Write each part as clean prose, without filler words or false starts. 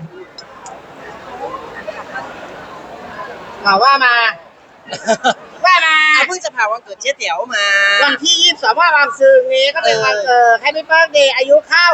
ว่ามาเพิ่งจะผ่านวันเกิดเจ๊เตี๋ยวมาวันที่22ว่าบางซื่อนี้ก็เป็นวันเกิดให้พี่เบิร์ธเดย์อายุเข้า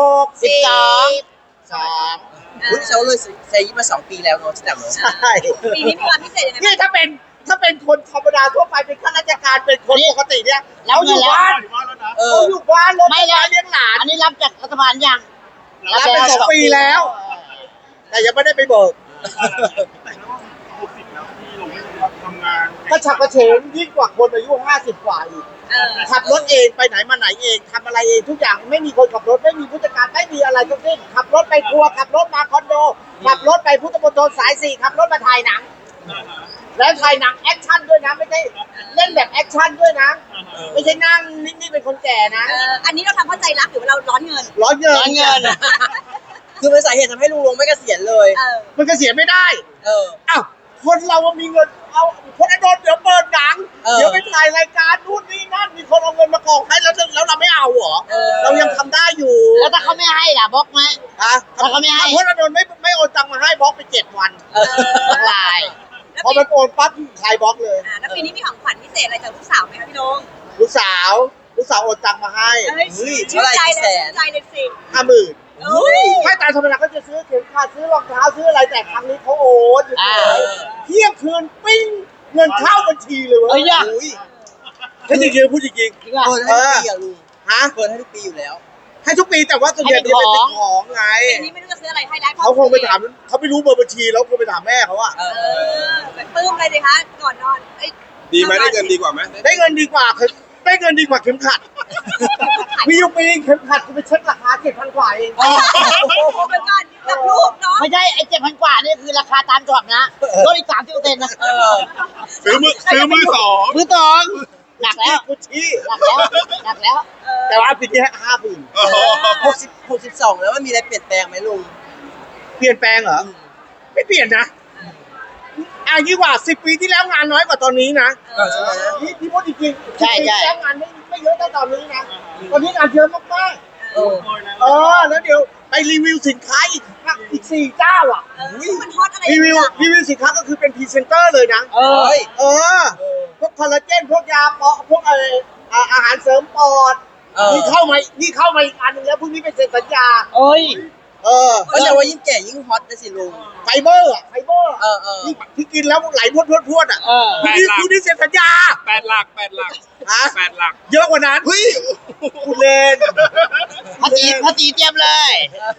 62 อุ้ยเราเลยเซย์มา2 ปีแล้วเนาะที่แต่เนาะใช่ปีนี้มีความพิเศษยังไงนี่ถ้าเป็นคนธรรมดาทั่วไปเป็นข้าราชการเป็นคนปกติเนี่ยเราอยู่บ้านเราอยู่บ้านไม่ได้เลี้ยงหลานอันนี้รับจากรัฐบาลยังรับไป2 ปีแล้วแต่ยังไม่ได้ไปเบิกก็ฉับกระเฉงยิ่งกว่าคนอายุ50 กว่าอีกขับรถเองไปไหนมาไหนเองทำอะไรเองทุกอย่างไม่มีคนขับรถไม่มีผู้จัดการไม่มีอะไรทั้งสิ้นขับรถไปครัวขับรถมาคอนโดขับรถไปพุทธมณฑลสาย 4ขับรถมาถ่ายหนังแล้วถ่ายหนังแอคชั่นด้วยนะไม่ใช่เล่นแบบแอคชั่นด้วยนะไม่ใช่นั่งนิ่งๆเป็นคนแก่นะอันนี้เราทำเพราะใจรักหรือว่าเราร้อนเงินคือเป็นสาเหตุทำให้ลุงลงไม่เกษียณเลยมันเกษียณไม่ได้อ้าวคนเรามีเงินเอาคนอดนเดี๋ยวเปิดหนังเดี๋ยวไปถ่ายรายการนู่นนี่นั่นมีคนเอาเงินมากองให้แล้วเราไม่เอาเหรอเรายังทำได้อยู่แล้วถ้าเขาไม่ให้ล่ะบล็อกไหมถ้าเขาไม่ให้คนอดนไม่โอนตังมาให้บล็อกไป7 วันลายพอมันโอนปั๊บใครบล็อกเลยแล้วปีนี้มีของขวัญพิเศษอะไรจากลูกสาวไหมคะพี่ลงลูกสาวโอนตังมาให้ชื่นใจเลยสิ 50,000ให้ตามธรรมดาก็จะซื้อเข็มขัดซื้อรองเท้าซื้ออะไรแต่ครั้งนี้เขาโอนเที่ยงคืนปิ้งเงินเข้าบัญชีเลยเว้ยถ้าจริงๆพูดจริงๆเปิดให้ทุกปีอะลุงเปิดให้ทุกปีอยู่แล้วให้ทุกปีแต่ว่าส่วนใหญ่จะเป็นของไงอันนี้ไม่รู้จะซื้ออะไรให้ได้เขาคงไปถามเขาไม่รู้เบอร์บัญชีแล้วคงไปถามแม่เขาอะปลื้มเลยดิคะก่อนนอนดีไหมได้เงินดีกว่าไหมได้เงินดีกว่าเข็มขัดมีอยู่ปีเข็มขัดกูไปเช็คราคา7,000 กว่าเองเหมือนกันกับลูกเนาะไม่ใช่ไอ้7,000 กว่านี่คือราคาตามช็อปนะลดอีก30%นะซื้อมือสองหนักแล้วกูชี้หนักแล้วแต่ว่าปีนี้50,000 62แล้วมันมีอะไรเปลี่ยนแปลงไหมลุงเปลี่ยนแปลงเหรอไม่เปลี่ยนนะยิ่งกว่า10 ปีที่แล้วงานน้อยกว่าตอนนี้นะพี่พูดจริงๆ10 ปีที่แล้วงานไม่เยอะเท่าตอนนี้นะตอนนี้งานเยอะมากๆแล้วเดี๋ยวไปรีวิวสินค้าอีก4 เจ้าอ่ะมันฮอตอะไรรีวิวสินค้าก็คือเป็นพรีเซนเตอร์เลยนะพวกคอลลาเจนพวกยาปอพวกอาหารเสริมปอดนี่เข้ามาอีกอันนึงแล้วพรุ่งนี้เป็นเซ็นสัญญาก็จะว่ายิ่งแก่ยิ่งฮอตนะสิลุงไฟเบอร์ที่กินแล้วไหลพรวดคุณนี่เซ็นสัญญา 8 หลักเยอะกว่านั้นคุณเล่นภาษีเตรียมเลย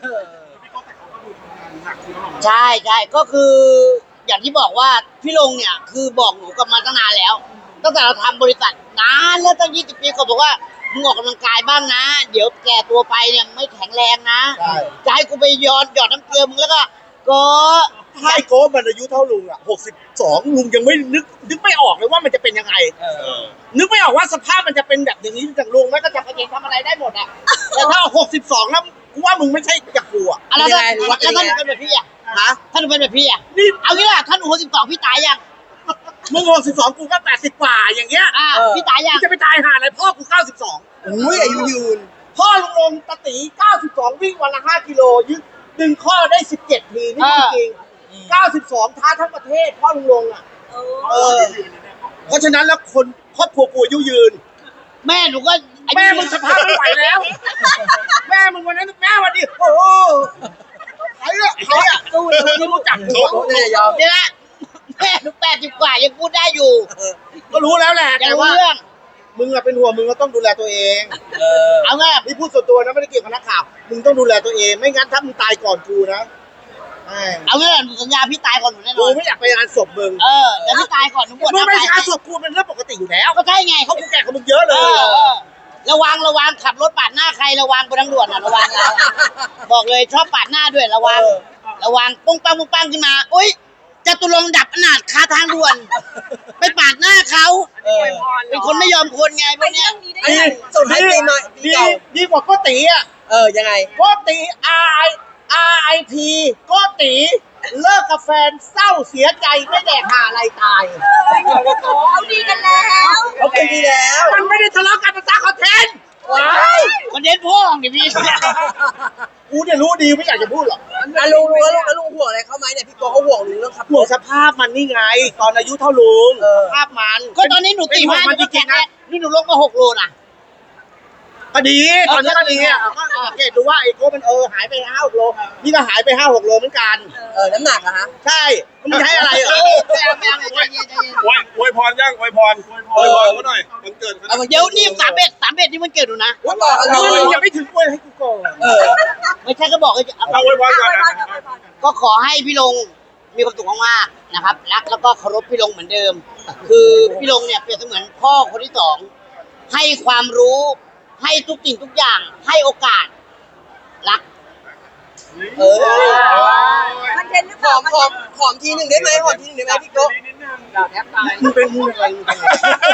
ใช่ก็คืออย่างที่บอกว่าพี่ลงเนี่ยคือบอกหนูกับมาตั้งนานแล้วตั้งแต่เราทำบริษัทนานแล้วตั้ง20 ปีเขาบอกว่ามึงออกกำลังกายบ้างนะเดี๋ยวแก่ตัวไปเนี่ยไม่แข็งแรงนะจะให้กูไปหยอดน้ำเกลือมึงแล้วก็ถ้าไอ้โก้มันอายุเท่าลุงอ่ะ62ลุงยังไม่นึกไม่ออกเลยว่ามันจะเป็นยังไงนึกไม่ออกว่าสภาพมันจะเป็นแบบอย่างนี้จากลุงแล้วก็จะเองทำอะไรได้หมดอ่ะแต่ถ้า62แล้วกูว่ามึงไม่ใช่จากกูอ่ะแล้วท่านเป็นแบบพี่อ่ะท่านเป็นแบบพี่อ่ะนี่เอางี้ล่ะท่าน62พี่ตายยังมึง62กูก็80 กว่าอย่างเงี้ยพี่ตายยังจะไปตายหาอะไรพ่อกู92 อายุยืนพ่อลุงลงตะตี92วิ่งวันละ5 กิโลดึงข้อได้17 ทีนี่จริง92ท้าทั้งประเทศพ่อลุงลงอ่ะเพราะฉะนั้นแล้วคนครอบครัวกูอายุยืนแม่หนูก็แม่มึงสภาพไม่ไหวแล้วแม่มึงวันนั้นแม่วันนี้โอ้ใครอ่ะตู้ไม่รู้จักเขาเนี่ยยอมเนี่ยแม่หนู80 กว่ายังพูดได้อยู่ก็รู้แล้วแหละแต่ว่ามึงอะเป็นห่วงมึงก็ต้องดูแลตัวเองเอาไงนี่พูดส่วนตัวนะไม่ได้เกี่ยวกับนักข่าวมึงต้องดูแลตัวเองไม่งั้นถ้ามึงตายก่อนกูนะเอาไงหนูสัญญาพี่ตายก่อนหนูแน่นอนกูไม่อยากไปงานศพมึงแต่พี่ตายก่อนหนูบวชไม่งานศพกูเป็นเรื่องปกติอยู่แล้วก็ใช่ไงเขากูแก่กับมึงเยอะเลยระวังขับรถปาดหน้าใครระวังบนทางด่วนระวังบอกเลยชอบปาดหน้าด้วยระวังปุ้งปังขึ้นมาอุ้ยจะตุลงดับอนาถคาทางด่วนไปปาดหน้าเขาเป็นคนไม่ยอมคนไงพวกนี้ส่งให้ปีใหม่ดีกว่าก็ตีอ่ะยังไงก็ตี RIP ก็ตีเลิกกับแฟนเศร้าเสียใจไม่แดกหาอะไรตายเขาดีกันแล้วมันไม่ได้ทะเลาะกันภาษาคอนเทนต์คอนเทนต์พ่อของพี่กูเนี่ยรู้ดีไม่อยากจะพูดหรอกอ่ะลุงแล้วลุงห่วงอะไรเขาไหมเนี่ยพี่โกเขาห่วงลุงเรื่องขับรห่วงถสภาพมันนี่ไง ตอนอายุเท่าลุงเออสภาพมันก็ตอนนี้หนูตีเป็ห้าห่วงหนูมันจก็ริแข็งงๆแรนะงนี่หนูลงมา6 โลนะก็ดีตอนนี้ก็ดีอ่ะก็สังเกตดูว่าไอ้โก้มันหายไป5-6 โลนี่ก็หายไป5-6 โลเหมือนกันน้ำหนักอะฮะใช่มันใช้อะไรเหรอไม่เอาใจเย็นใจเย็นอวยพรย่างอวยพรเขาหน่อยมันเกิดเขาหน่อยเดี๋ยวนี่31นี่มันเกิดหนูนะว่าบอกกันเลมึยงยังไม่ถึงเลยให้กูก่อนไม่ใช่ก็บอกให้เอาอวยพรก่อนก็ขอให้พี่ลงมีความสุขมากๆนะครับรักแล้วก็เคารพพี่ลงเหมือนเดิม คือพี่ลงเนี่ยเปรียบเสมือนพ่อคนที่สองให้ความรู้ให้ทุกสิ่งทุกอย่างให้โอกาสรักคอนเทนต์หรือเปหล่าอมหอมทีหนึ่งได้ไหมหอมทีหนึ่งได้ไหมพี่โกมึงเป็นมึงอะไรมึงเป็นอะไร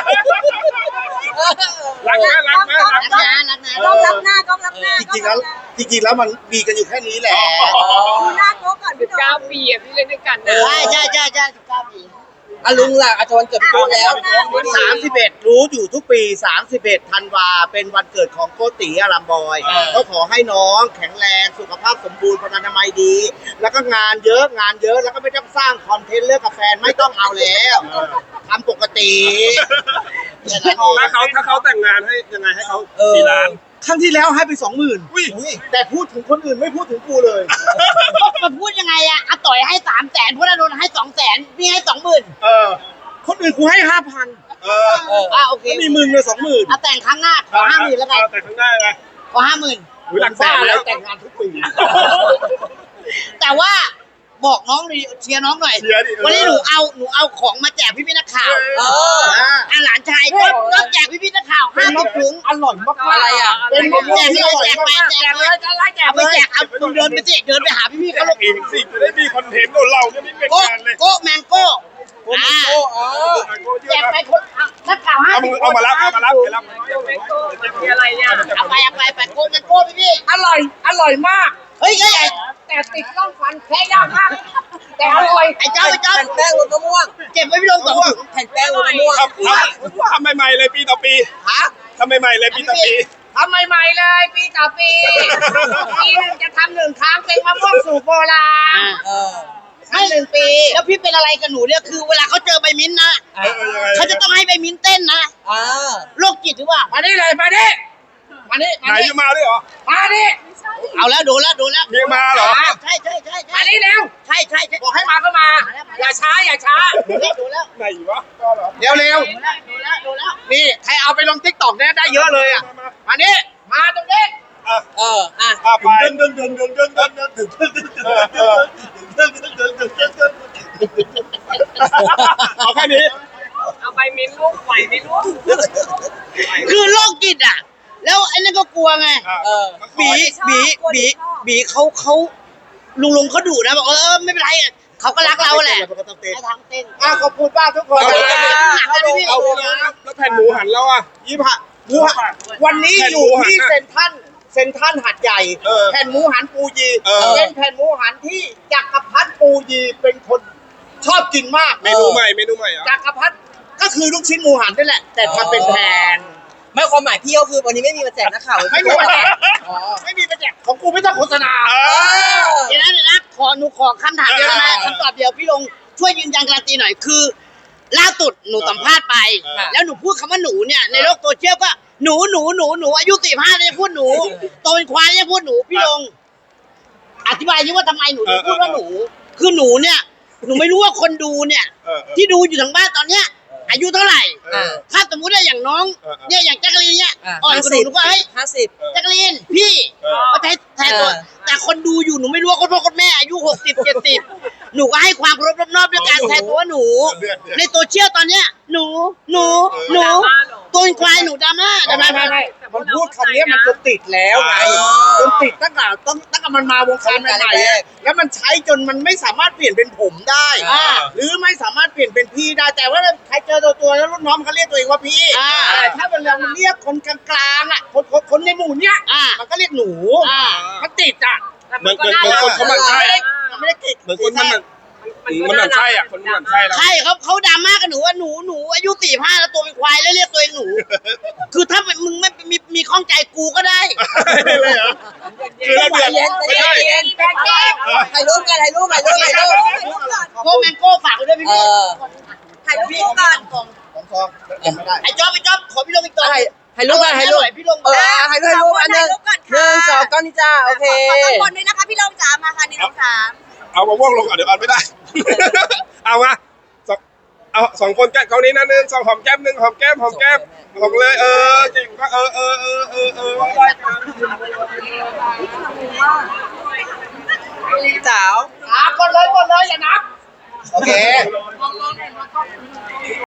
รักนะรักนะรักรักนะนะรักนะกล้องรับหน้ากล้องรับหน้าจริงๆแล้วมันมีกันอยู่แค่นี้แหละดูหน้าโก้ก่อนพี่โดม 9 ปีอะที่เล่นด้วยกันนะใช่19 ปีอ่ะลุงล่ะอาจารย์เกิดพี่โกแล้ว 31รู้อยู่ทุกปี31 ธันวาเป็นวันเกิดของโกติอารามบอยก็ขอให้น้องแข็งแรงสุขภาพสมบูรณ์พลานามัยดี แล้วก็งานเยอะแล้วก็ไม่ต้องสร้างคอนเทนต์เลิกกับแฟนไม่ต้องเอาแล้วทำปกติถ้าเขาแต่งงานให้ยังไงให้เขากี่ล้านครั้งที่แล้วให้ไป 20,000 อุ้ยแต่พูดถึงคนอื่นไม่พูดถึงกูเลยมันพูดยังไงอะอาต่อยให้300,000พวกนั้นโดนให้200,000พี่ให้20,000 คนอื่นกูให้ 5,000 โอเคก็มีมึงเลย 20,000 แต่งครั้งหน้าขอ50,000แล้วกันแต่ข้างหน้าไงขอ50,000 หลักแสบ้าน อะไรแล้วแต่งงานทุกปีแต่ว่าบอกน้องหน่อยเชียร์น้องหน่อยเชียร์ดิวันนี้หนูเอาของมาแจกพี่นักข่าวหลานชายก็แจกพี่นักข่าว50 ถุงอร่อยมากๆอะไรอ่ะเป็นมะม่วงที่อร่อยแจกไปมากแจกเลยเอาไปแจกเอาเดินไปสิเดินไปหาพี่เขาอีกสิจะได้มีคอนเทนต์เราจะไม่เป็นโก้งานเลยโก้แมงโก้แจกไปคนนักข่าว50 เอามารับไปรับมีอะไรเนี่ยเอาไปโก้แมงโก้พี่อร่อยมากเฮ้ยใหญ่แต่ติดร่องฟันแค่ยากมาก แต่อร่อยไอ้เจ้าแผ่นแป้งรสมะม่วงเก็บไว้พี่ลง2 ถุงแผ่นแป้งรสมะม่วงทำใหม่ๆเลยปีต่อปีทำใหม่ๆเลยปีต่อปีทำใหม่ๆเลยปีต่อปีปีหนึ่งจะทำ1 ครั้งเป็นมะม่วงสูตรโบราณให้1 ปีแล้วพี่เป็นอะไรกับหนูเนี่ยคือเวลาเขาเจอใบมิ้นท์นะเขาจะต้องให้ใบมิ้นท์เต้นนะโรคจิตหรือเปล่ามานี่เลยมานี่มานี่ไหนจะมาด้วยเหรอมานี่เอาแล้วโดนแล้วเมียมาเหรอใช่มานี่เร็วใช่บอกให้มาก็มา อย่าช้าโดนแล้วไหนวะเร็วโดนแล้วนี่ใครเอาไปลงทิกตอกเนี่ยได้เยอะเลยอ่ะมานี่มาตรงนี้ไปเอาแค่นี้เอาไปมิ้นลูกไหวไหมลูกคือโรคจิตอ่ะ แล้วไอ้นั่นก็กลัวไงบีเขาลุงเขาดุนะบอกไม่เป็นไรเขาก็รักเราแหละให้ทางเต้นขอบคุณป้าทุกคนเอาแล้วแผ่นหมูหันแล้วอ่ะวันนี้อยู่ที่เซ็นทรัลหัดใหญ่ แผ่นหมูหันปูยีเป็นแผ่นหมูหันที่จักรพรรดิปูยีเป็นคนชอบกินมากเมนูใหม่เหรอจักรพรรดิก็คือลูกชิ้นหมูหันนี่แหละ แต่ทำเป็นแผ่นไม่ความหมายพี่ก็คือวันนี้ไม่มีมาแจกนักข่าวไม่มีมาแจกไม่มีมาแจกของกูไม่ต้องโฆษณาเดี๋ยวนะหนูขอคำถามเดียวนะคำตอบเดียวพี่ลงช่วยยืนยันการันตีหน่อยคือล่าสุดหนูสัมภาษณ์ไป แล้วหนูพูดคำว่าหนูเนี่ยในโลกโซเชียลก็หนูอายุ45เนี่ยพูดหนูโตเป็นควายเนี่ยพูดหนูพี่ลงอธิบายยิ่ว่าทำไมหนูถึงพูดว่าหนูคือหนูเนี่ยหนูไม่รู้ว่าคนดูเนี่ยที่ดูอยู่ทางบ้านตอนเนี้ยอายุเท่าไหร่ถ้าสมมุติว่าอย่างน้องเนี่ยอย่างแจ๊กกะลีนเนี่ยอ่อนกว่าหนูก็เฮ้ย 50 แจ๊กกะลีนพี่ก็แทนตัวแต่คนดูอยู่หนูไม่รู้ว่าคนพ่อคนแม่อายุ60-70หนูก็ให้ความเคารพรอบๆด้วยการแทนตัวว่าหนูในโซเชียลตอนเนี้ยหนูตัวเป็นควายหนูดราม่าไม่มันพูดคำนี้มันจนติดแล้วไงจนติดตั้งแต่มันมาวงการใหม่ๆแล้วมันใช้จนมันไม่สามารถเปลี่ยนเป็นผมได้หรือไม่สามารถเปลี่ยนเป็นพี่ได้แต่ว่าใครเจอตัวแล้วรุ่นน้องเขาเรียกตัวเองว่าพี่แต่ถ้าเวลามันเรียกคนกลางๆอ่ะคนในหมู่เนี้ยมันก็เรียกหนูมันติดอ่ะเหมือนคนเขาหมั่นไส้มันไม่ได้ติดเหมือนคนมันมันหมั่นไส้อ่ะคนมันหมั่นไส้แล้วใช่เขาดราม่ากับหนูว่าหนูอายุ45แล้วตัวเป็นควายแล้วเรียกตัวเองหนู คือถ้ามึงไม่มีข้องใจกูก็ได้เลยเหรอคือเราเดือดไม่ได้ถ่ายรูปกันถ่ายรูปโก้แมงโก้ฝากไว้ด้วยพี่เอพี่อถ่ายรูปคู่ก่อนของซองเก็บไม่ได้ไอ้จ๊อบขอพี่ลงอีกตัวถ่ายรูปกันถ่ายรูปพี่ลงถ่ายรูปอันหนึ่ง1 2ก้อนนี่จ้าโอเคขอต้องคนด้วยนะคะพี่ลงจ๋ามาค่ะ1 2 3 เอามะม่วงลงก่อนเดี๋ยวเอาไม่ได้ เอามาเอา2 คนแก้มเขานี้นะ1 2หอมแก้ม1หอมแก้มหอมเลยเก่งก็ได้กันสาวกดเลยอย่านับ โอเค